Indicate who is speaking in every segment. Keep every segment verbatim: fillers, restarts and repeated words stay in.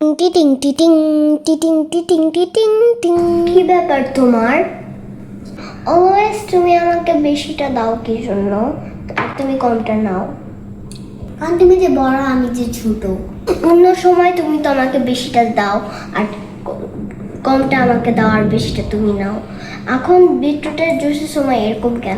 Speaker 1: টিটিং টিটিং টিটিং টিটিং টিটিং টিং। কি ব্যাপার তোমার? অলওয়েজ তুমি আমাকে বেশিটা দাও কি জন্য, আর তুমি কমটা নাও? কারণ তুমি যে বড়, আমি যে ছোট। অন্য সময় তুমি তো আমাকে বেশিটা দাও আর কমটা আমাকে দাও, আর বেশিটা তুমি নাও। এখন বিটরুটের জুসের সময় এরকম কেন?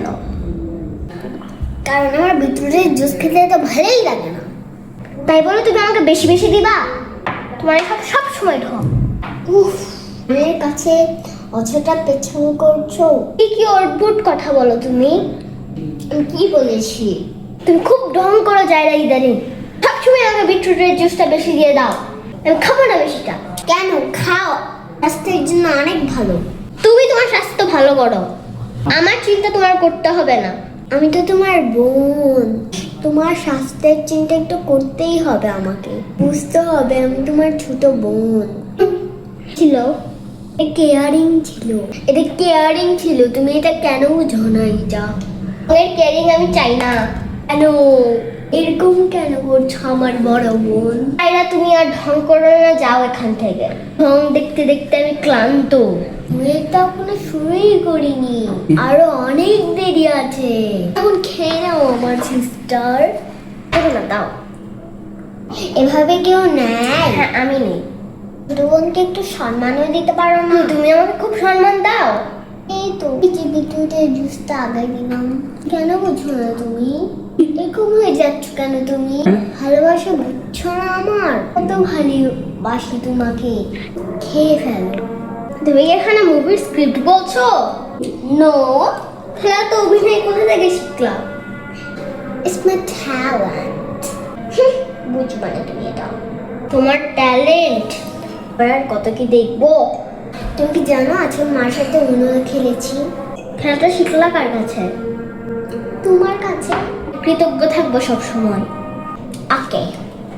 Speaker 1: কারণ আমার বিটরুটের জুস খেতে তো ভালোই লাগে না, তাই বলে তুমি আমাকে বেশি বেশি দিবা? তোমার সব সব সময় ঢং। উফ, মেয়ের কাছে অযথা পেছন করছো। কি কি অদ্ভুত কথা বলো তুমি? আমি কি বলেছি? তুমি খুব ঢং করো যায়রা ইদানিং। সবসময় আমাকে বিটরুটের জুসটা বেশি দিয়ে দাও, আমি খাবো না বেশিটা। কেন? খাও, স্বাস্থ্যের জন্য অনেক ভালো। তুমি তোমার স্বাস্থ্য ভালো করো, আমার চিন্তা তোমার করতে হবে না। আমি তো তোমার বোন, তোমার স্বাস্থ্যের চিন্তা একটু করতেই হবে আমাকে, বুঝতে হবে আমি তোমার ছোট বোন। ছিল কেয়ারিং ছিল, এটা কেয়ারিং ছিল, তুমি এটা কেন বুঝো না? এটা এর কেয়ারিং আমি চাই না। কেন এরকম কেন করছো আমার বড় বোন? আইরা তুমি আর ঢং করো না, যাও এখান থেকে। ঢং দেখতে দেখতে আমি ক্লান্ত। এটা এখনো শুরুই করিনি, আরো অনেক দেরি আছে। এখন খেয়ে নাও আমার সিস্টার। না, দাও। এভাবে কেউ নেয়? হ্যাঁ, আমি নেই। ছোট বোনকে একটু সম্মানও দিতে পারো না? তুমি আমাকে খুব সম্মান দাও। এই তো বিটরুটের জুসটা আগে দিলাম, কেন বুঝছো না তুমি? এরকম হয়ে যাচ্ছ কেন তুমি? ভালোবাসা বুঝছো না আমার? কত ভালোবাসি তোমাকে, খেয়ে ফেলো। তুমি এখানে মুভির স্ক্রিপ্ট বলছো? নো, খেলা তো অভিনয় কোথা থেকে শিখলাম? It's my talent. বুঝবা না তুমি এটা, তোমার ট্যালেন্ট আর কত কি দেখবো। তুমি কি জানো আজকে মার সাথে উনো খেলেছি? খেলাটা শিখলা কার কাছে? তোমার কাছে। কৃতজ্ঞ থাকবো সব সময়। ওকে।